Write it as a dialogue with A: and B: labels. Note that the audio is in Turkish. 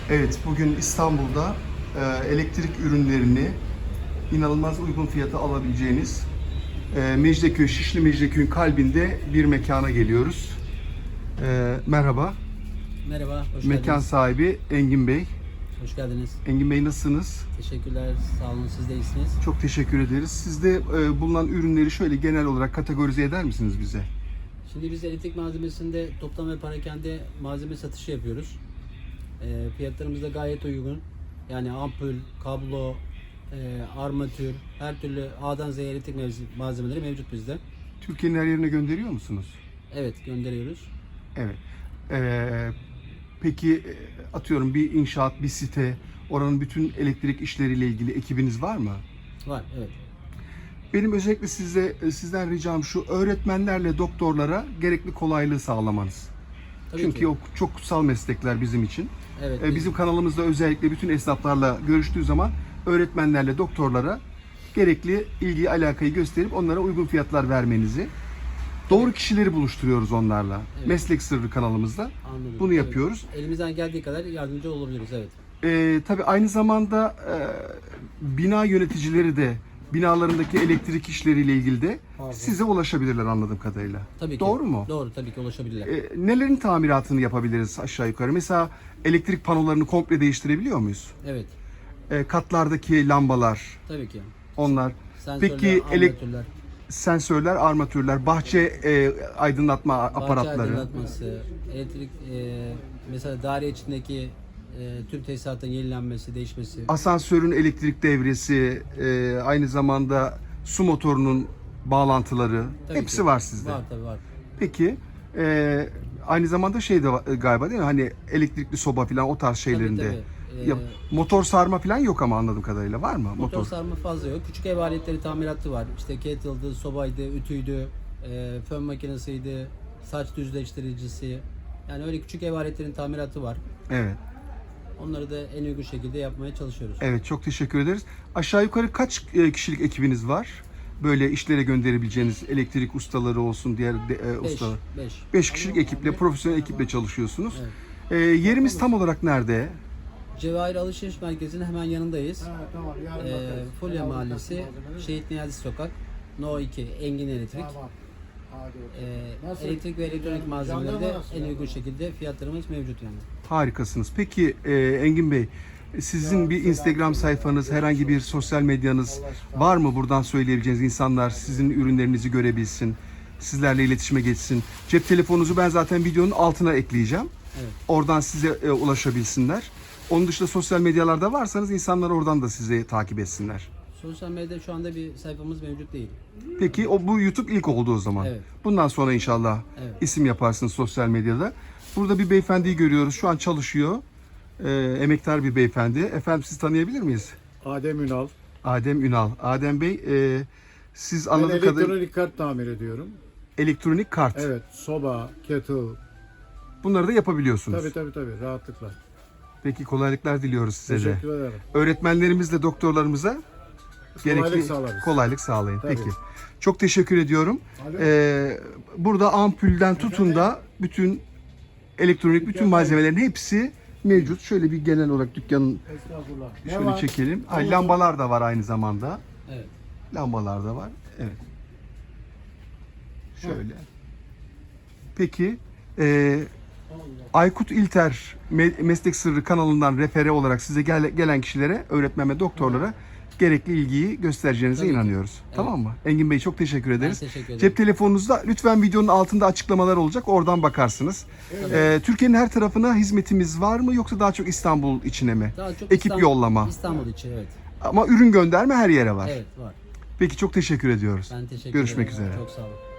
A: Evet, bugün İstanbul'da elektrik ürünlerini inanılmaz uygun fiyata alabileceğiniz Mecidiyeköy, Şişli Mecidiyeköy'ün kalbinde bir mekana geliyoruz. Merhaba,
B: Merhaba, hoş
A: mekan
B: geldiniz.
A: sahibi Engin Bey.
B: Hoş geldiniz.
A: Engin Bey nasılsınız?
B: Teşekkürler, sağ olun. Siz de iyisiniz.
A: Çok teşekkür ederiz. Sizde bulunan ürünleri şöyle genel olarak kategorize eder misiniz bize?
B: Şimdi biz elektrik malzemesinde toplam ve parakende malzeme satışı yapıyoruz. Fiyatlarımız da gayet uygun. Yani ampul, kablo, armatür, her türlü A'dan Z'ye elektrik malzemeleri mevcut bizde.
A: Türkiye'nin her yerine gönderiyor musunuz?
B: Evet, gönderiyoruz.
A: Evet. Peki atıyorum bir inşaat, bir site, oranın bütün elektrik işleriyle ilgili ekibiniz var mı?
B: Var, evet.
A: Benim özellikle sizden ricam şu, öğretmenlerle doktorlara gerekli kolaylığı sağlamanız.
B: Tabii
A: Çünkü
B: ki.
A: o çok kutsal meslekler bizim için.
B: Evet,
A: Bizim kanalımızda özellikle bütün esnaflarla görüştüğü zaman öğretmenlerle doktorlara gerekli ilgiyi, alakayı gösterip onlara uygun fiyatlar vermenizi, doğru kişileri buluşturuyoruz onlarla.
B: Evet.
A: Meslek Sırrı kanalımızda
B: anladım.
A: bunu
B: Evet.
A: yapıyoruz.
B: Elimizden geldiği kadar yardımcı olabiliriz, evet.
A: Tabii aynı zamanda bina yöneticileri de binalarındaki elektrik işleriyle ilgili de size ulaşabilirler anladığım kadarıyla.
B: Tabii ki.
A: Doğru mu?
B: Doğru, tabii ki ulaşabilirler.
A: Nelerin tamiratını yapabiliriz aşağı yukarı? Mesela elektrik panolarını komple değiştirebiliyor muyuz?
B: Evet,
A: Katlardaki lambalar,
B: tabii ki.
A: onlar.
B: Sensörler,
A: Peki
B: armatürler.
A: sensörler, armatürler, bahçe aydınlatma aparatları.
B: Bahçe aydınlatması, elektrik, mesela daire içindeki tüm tesisatın yenilenmesi, değişmesi.
A: Asansörün elektrik devresi, aynı zamanda su motorunun bağlantıları,
B: Tabii
A: hepsi
B: ki.
A: var sizde.
B: Var tabii var.
A: Peki aynı zamanda şey de var, galiba değil mi? Hani elektrikli soba falan o tarz şeylerinde.
B: tabii.
A: Ya, motor sarma falan yok ama anladığım kadarıyla var mı?
B: Motor sarma fazla yok. Küçük ev aletleri tamiratı var. İşte kettle'dı, sobaydı, ütüydü, fön makinesiydi, saç düzleştiricisi. Yani öyle küçük ev aletlerin tamiratı var.
A: Evet.
B: Onları da en uygun şekilde yapmaya çalışıyoruz.
A: Evet, çok teşekkür ederiz. Aşağı yukarı kaç kişilik ekibiniz var? Böyle işlere gönderebileceğiniz elektrik ustaları olsun, diğer ustalar. 5 kişilik ekiple, profesyonel ekiple çalışıyorsunuz. Yerimiz tam olarak nerede?
B: Cevahir Alışveriş Merkezi'nin hemen yanındayız. Fulya Mahallesi, Şehit Niyazi Sokak, No 2, Engin Elektrik. Elektrik ve elektronik malzemeleri de en uygun şekilde fiyatlarımız mevcut yani.
A: Harikasınız. Peki Engin Bey, sizin bir Instagram sayfanız, herhangi bir sosyal medyanız var mı? Buradan söyleyebileceğiniz, insanlar sizin ürünlerinizi görebilsin, sizlerle iletişime geçsin. Cep telefonunuzu ben zaten videonun altına ekleyeceğim.
B: Evet.
A: Oradan size ulaşabilsinler. Onun dışında sosyal medyalarda varsanız insanlar oradan da sizi takip etsinler.
B: Sosyal medyada şu anda bir sayfamız mevcut değil.
A: Peki bu YouTube ilk oldu o zaman.
B: Evet.
A: Bundan sonra inşallah
B: Evet.
A: isim yaparsınız sosyal medyada. Burada bir beyefendiyi görüyoruz. Şu an çalışıyor. Emektar bir beyefendi. Efendim sizi tanıyabilir miyiz?
C: Adem Ünal.
A: Adem Ünal. Adem Bey siz
C: Ben
A: anladığım kadarıyla
C: elektronik kart tamir ediyorum.
A: elektronik kart.
C: Evet, soba, kettle.
A: Bunları da yapabiliyorsunuz.
C: Tabii, rahatlıkla.
A: Peki kolaylıklar diliyoruz size de.
C: Teşekkür ederim.
A: Öğretmenlerimizle doktorlarımıza gerekli
C: sağlarız.
A: kolaylık sağlayın.
C: Tabii.
A: Peki. Çok teşekkür ediyorum.
C: Alo.
A: Burada ampulden tutun da bütün elektronik bütün malzemelerin hepsi mevcut. Şöyle bir genel olarak dükkanın
C: Estağfurullah. Ne
A: şöyle
C: var?
A: çekelim. Ha,
C: Tamam.
A: lambalar da var aynı zamanda.
B: Evet.
A: Lambalar da var. Evet. Şöyle. Peki Aykut İlter Meslek Sırrı kanalından refere olarak size gelen kişilere, öğretmen ve doktorlara gerekli ilgiyi göstereceğinize
B: Tabii ki.
A: inanıyoruz.
B: Evet.
A: Tamam mı? Engin Bey çok teşekkür ederiz.
B: teşekkür ederim.
A: Cep telefonunuzda lütfen videonun altında açıklamalar olacak. Oradan bakarsınız. Türkiye'nin her tarafına hizmetimiz var mı yoksa daha çok İstanbul içine mi?
B: Daha çok
A: Ekip yollama.
B: İstanbul için, evet.
A: Ama ürün gönderme her yere var.
B: Evet, var.
A: Peki çok teşekkür ediyoruz.
B: Ben teşekkür
A: Görüşmek
B: ederim.
A: üzere.
B: Çok sağ olun.